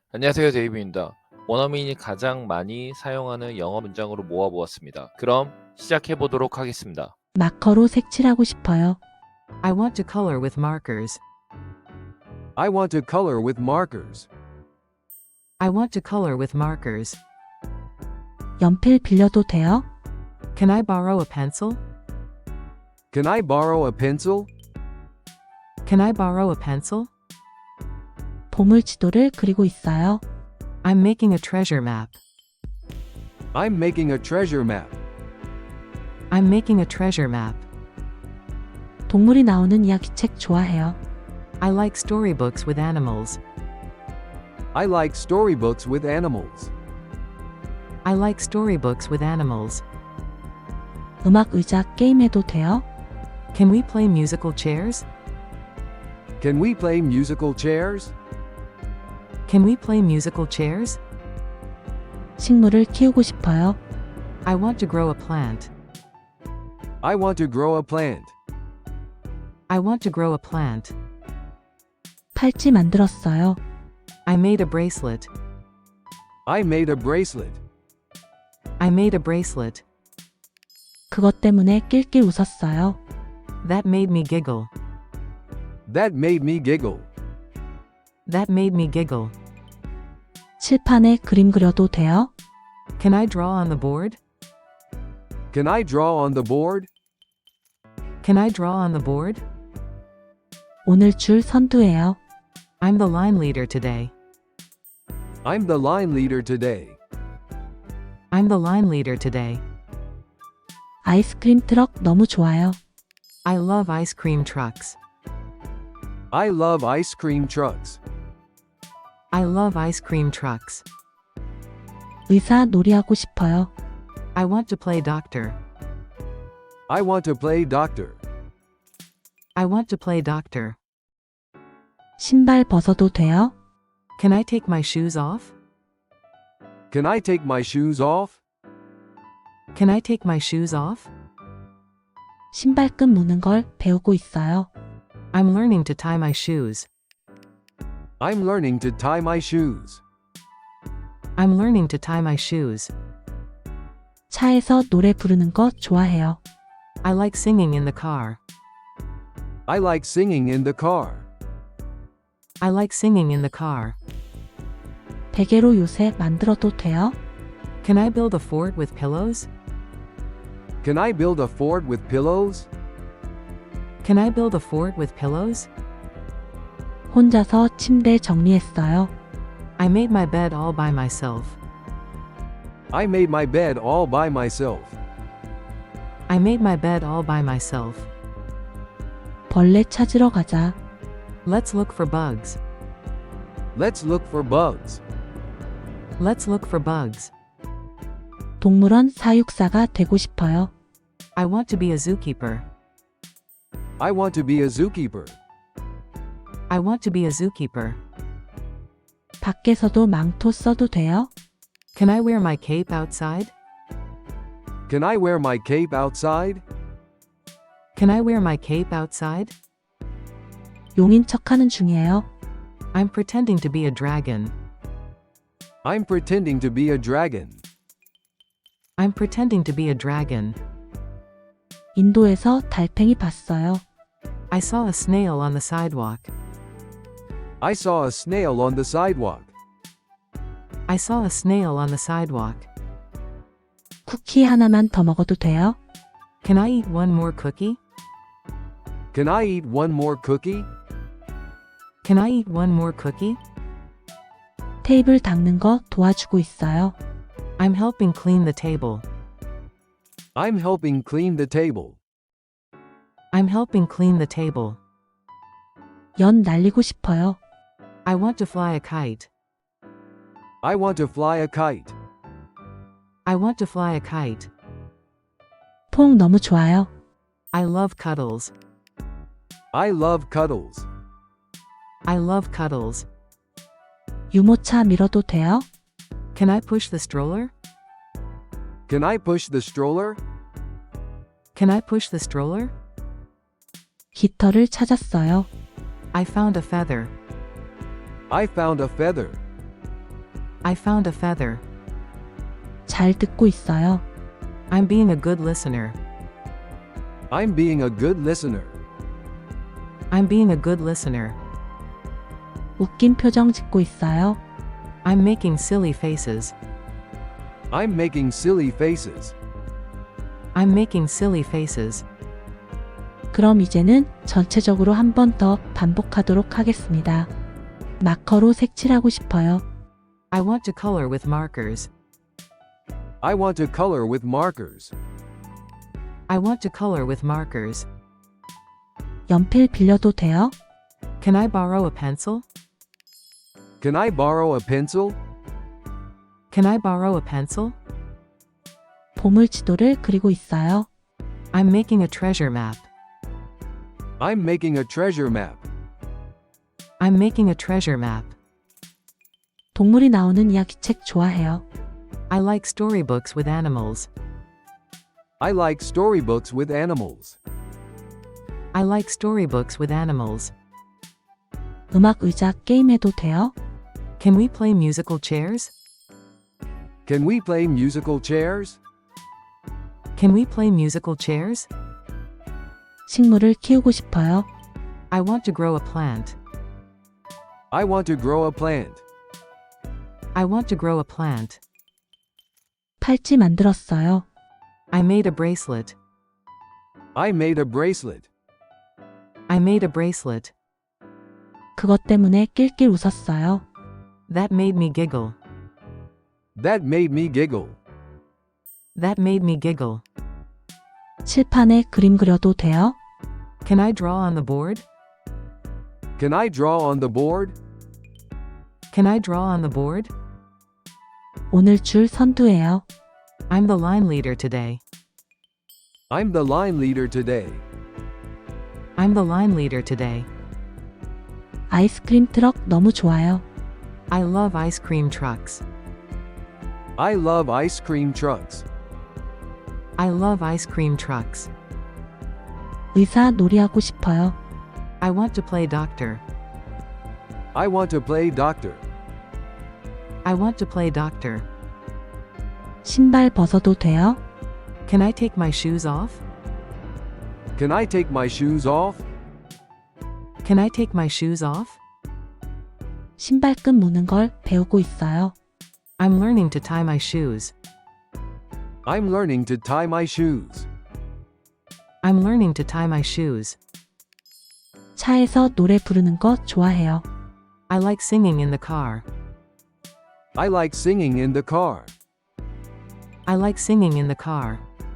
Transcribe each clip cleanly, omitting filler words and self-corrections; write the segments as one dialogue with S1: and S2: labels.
S1: 안녕하세요, 데이비입니다. 원어민이 가장 많이 사용하는 영어 문장으로 모아보았습니다. 그럼 시작해 보도록 하겠습니다.
S2: 마커로 색칠하고 싶어요.
S3: I want to color with markers.
S4: I want to color with markers.
S3: I want to color with markers.
S2: 연필 빌려도 돼요?
S3: Can I borrow a pencil?
S4: Can I borrow a pencil?
S3: Can I borrow a pencil?
S2: 보물 지도를 그리고 있어요.
S3: I'm making a treasure map.
S4: I'm making a treasure map.
S3: I'm making a treasure map.
S2: 동물이 나오는 이야기책 좋아해요.
S3: I like storybooks with animals.
S4: I like storybooks with animals.
S3: I like storybooks with animals.
S2: 음악 의자 게임해도 돼요?
S3: Can we play musical chairs?
S4: Can we play musical chairs?
S3: Can we play musical chairs?
S2: 식물을 키우고 싶어요.
S3: I want to grow a plant.
S4: I want to grow a plant.
S3: I want to grow a plant.
S2: 팔찌 만들었어요.
S3: I made a bracelet.
S4: I made a bracelet.
S3: I made a bracelet.
S2: 그것 때문에 낄낄 웃었어요.
S3: That made me giggle.
S4: That made me giggle.
S3: That made me giggle.
S2: 칠판에 그림 그려도 돼요?
S3: Can I draw on the board?
S4: Can I draw on the board?
S3: Can I draw on the board?
S2: 오늘 줄 선두예요.
S3: I'm the line leader today.
S4: I'm the line leader today.
S3: I'm the line leader today.
S2: 아이스크림 트럭 너무 좋아요.
S3: I love ice cream trucks.
S4: I love ice cream trucks.
S3: I love ice cream trucks.
S2: 의사 놀이하고 싶어요.
S3: I want to play doctor.
S4: I want to play doctor.
S3: I want to play doctor.
S2: 신발 벗어도 돼요?
S3: Can I take my shoes off?
S4: Can I take my shoes off?
S3: Can I take my shoes off?
S2: 신발끈 무는 걸 배우고 있어요.
S3: I'm learning to tie my shoes.
S4: I'm learning to tie my shoes.
S3: I'm learning to tie my shoes.
S2: 차에서 노래 부르는 거 좋아해요.
S3: I like singing in the car.
S4: I like singing in the car.
S3: I like singing in the car.
S2: 베개로 요새 만들어도 돼요?
S3: Can I build a fort with pillows?
S4: Can I build a fort with pillows?
S3: Can I build a fort with pillows?
S2: 혼자서 침대 정리했어요.
S3: I made my bed all by myself.
S4: I made my bed all by myself.
S3: I made my bed all by myself.
S2: 벌레 찾으러 가자.
S3: Let's look for bugs.
S4: Let's look for bugs.
S3: Let's look for bugs.
S2: 동물원 사육사가 되고 싶어요.
S3: I want to be a zookeeper.
S4: I want to be a zookeeper.
S3: I want to be a zookeeper.
S2: 밖에서도 망토 써도 돼요?
S3: Can I wear my cape outside?
S4: Can I wear my cape outside?
S3: Can I wear my cape outside?
S2: 용인 척하는 중이에요.
S3: I'm pretending to be a dragon.
S4: I'm pretending to be a dragon.
S3: I'm pretending to be a dragon.
S2: 인도에서 달팽이 봤어요.
S3: I saw a snail on the sidewalk.
S4: I saw a snail on the sidewalk.
S3: I saw a snail on the sidewalk.
S2: 쿠키 하나만 더 먹어도 돼요?
S3: Can I eat one more cookie?
S4: Can I eat one more cookie?
S3: Can I eat one more cookie?
S2: 테이블 닦는 거 도와주고 있어요.
S3: I'm helping clean the table.
S4: I'm helping clean the table.
S3: I'm helping clean the table.
S2: 연 날리고 싶어요.
S3: I want to fly a kite.
S4: I want to fly a kite.
S3: I want to fly a kite.
S2: 퐁 너무 좋아요.
S3: I love cuddles.
S4: I love cuddles.
S3: I love cuddles.
S2: 유모차 밀어도 돼요?
S3: Can I push the stroller?
S4: Can I push the stroller?
S3: Can I push the stroller?
S2: 깃털을 찾았어요.
S3: I found a feather.
S4: I found a feather.
S3: I found a feather.
S2: 잘 듣고 있어요.
S3: I'm being a good listener.
S4: I'm being a good listener.
S3: I'm being a good listener.
S2: 웃긴 표정 짓고 있어요.
S3: I'm making silly faces.
S4: I'm making silly faces.
S3: I'm making silly faces.
S2: 그럼 이제는 전체적으로 한 번 더 반복하도록 하겠습니다. 마커로 색칠하고 싶어요.
S3: I want to color with markers.
S4: I want to color with markers.
S3: I want to color with markers.
S2: 연필 빌려도 돼요?
S3: Can I borrow a pencil?
S4: Can I borrow a pencil?
S3: Can I borrow a pencil?
S2: 보물 지도를 그리고 있어요.
S3: I'm making a treasure map.
S4: I'm making a treasure map.
S3: I'm making a treasure map.
S2: 동물이 나오는 이야기책 좋아해요.
S3: I like storybooks with animals.
S4: I like storybooks with animals.
S3: I like storybooks with animals.
S2: 음악 의자 게임해도 돼요?
S3: Can we play musical chairs?
S4: Can we play musical chairs?
S3: Can we play musical chairs?
S2: 식물을 키우고 싶어요.
S3: I want to grow a plant.
S4: I want to grow a plant.
S3: I want to grow a plant.
S2: 팔찌 만들었어요.
S3: I made a bracelet.
S4: I made a bracelet.
S3: I made a bracelet.
S2: 그것 때문에 낄낄 웃었어요.
S3: That made me giggle.
S4: That made me giggle.
S3: That made me giggle.
S2: 칠판에 그림 그려도 돼요?
S3: Can I draw on the board?
S4: Can I draw on the board?
S3: Can I draw on the board?
S2: 오늘 줄 선두예요.
S3: I'm the line leader today.
S4: I'm the line leader today.
S3: I'm the line leader today.
S2: 아이스크림 트럭 너무 좋아요.
S3: I love ice cream trucks.
S4: I love ice cream trucks.
S3: I love ice cream trucks.
S2: 의사 놀이하고 싶어요.
S3: I want to play doctor.
S4: I want to play doctor.
S3: I want to play doctor.
S2: 신발 벗어도 돼요?
S3: Can I take my shoes off?
S4: Can I take my shoes off?
S3: Can I take my shoes off?
S2: 신발끈 무는 걸 배우고 있어요.
S3: I'm learning to tie my shoes.
S4: I'm learning to tie my shoes.
S3: I'm learning to tie my shoes.
S2: 차에서 노래 부르는 거 좋아해요.
S3: I like singing in the car.
S4: I like singing in the car.
S3: I like singing in the car.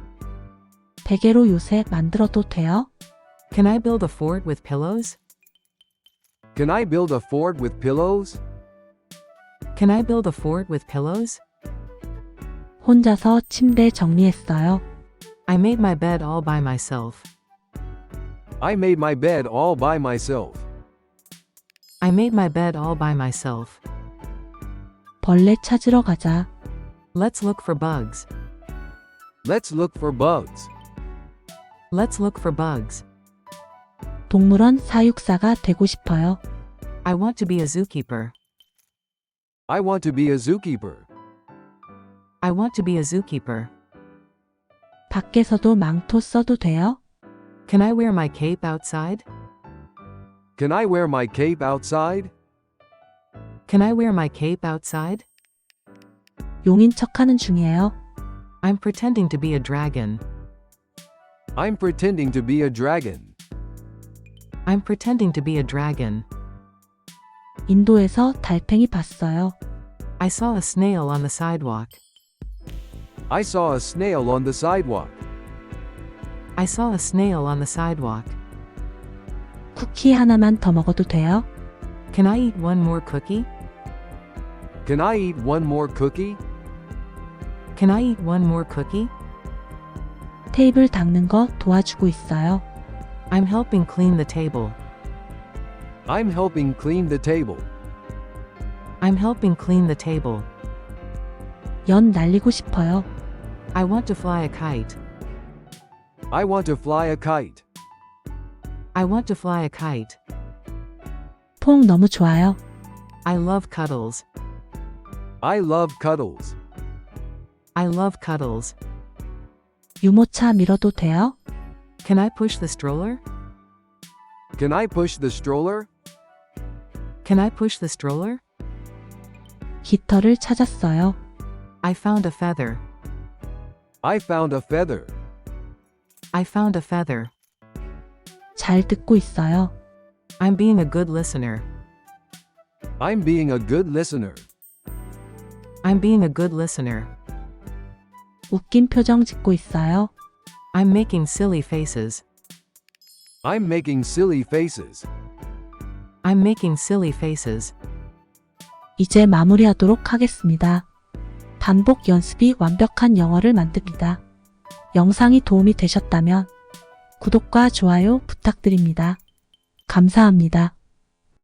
S2: 베개로 요새 만들어도 돼요?
S3: Can I build a fort with pillows?
S4: Can I build a fort with pillows?
S3: Can I build a fort with pillows?
S2: 혼자서 침대 정리했어요.
S3: I made my bed all by myself.
S4: I made my bed all by myself.
S3: I made my bed all by myself.
S2: 벌레 찾으러 가자.
S3: Let's look for bugs.
S4: Let's look for bugs.
S3: Let's look for bugs.
S2: 동물원 사육사가 되고 싶어요.
S3: I want to be a zookeeper.
S4: I want to be a zookeeper.
S3: I want to be a zookeeper.
S2: 밖에서도 망토 써도 돼요?
S3: Can I wear my cape outside?
S4: Can I wear my cape outside?
S3: Can I wear my cape outside?
S2: 용인 척하는 중이에요.
S3: I'm pretending to be a dragon.
S4: I'm pretending to be a dragon.
S3: I'm pretending to be a dragon.
S2: 인도에서 달팽이 봤어요.
S3: I saw a snail on the sidewalk.
S4: I saw a snail on the sidewalk.
S3: I saw a snail on the sidewalk.
S2: 쿠키 하나만 더 먹어도 돼요?
S3: Can I eat one more cookie?
S4: Can I eat one more cookie?
S3: Can I eat one more cookie?
S2: 테이블 닦는 거 도와주고 있어요.
S3: I'm helping clean the table.
S4: I'm helping clean the table.
S3: I'm helping clean the table.
S2: 연 날리고 싶어요.
S3: I want to fly a kite.
S4: I want to fly a kite.
S3: I want to fly a kite.
S2: 퐁 너무 좋아요.
S3: I love cuddles.
S4: I love cuddles.
S3: I love cuddles.
S2: 유모차 밀어도 돼요?
S3: Can I push the stroller?
S4: Can I push the stroller?
S3: Can I push the stroller?
S2: 깃털을 찾았어요.
S3: I found a feather.
S4: I found a feather.
S3: I found a feather.
S2: 잘 듣고 있어요.
S3: I'm being a good listener.
S4: I'm being a good listener.
S3: I'm being a good listener.
S2: 웃긴 표정 짓고 있어요.
S3: I'm making silly faces.
S4: I'm making silly faces.
S3: I'm making silly faces.
S2: 이제 마무리하도록 하겠습니다. 반복 연습이 완벽한 영어를 만듭니다. 영상이 도움이 되셨다면 구독과 좋아요 부탁드립니다. 감사합니다.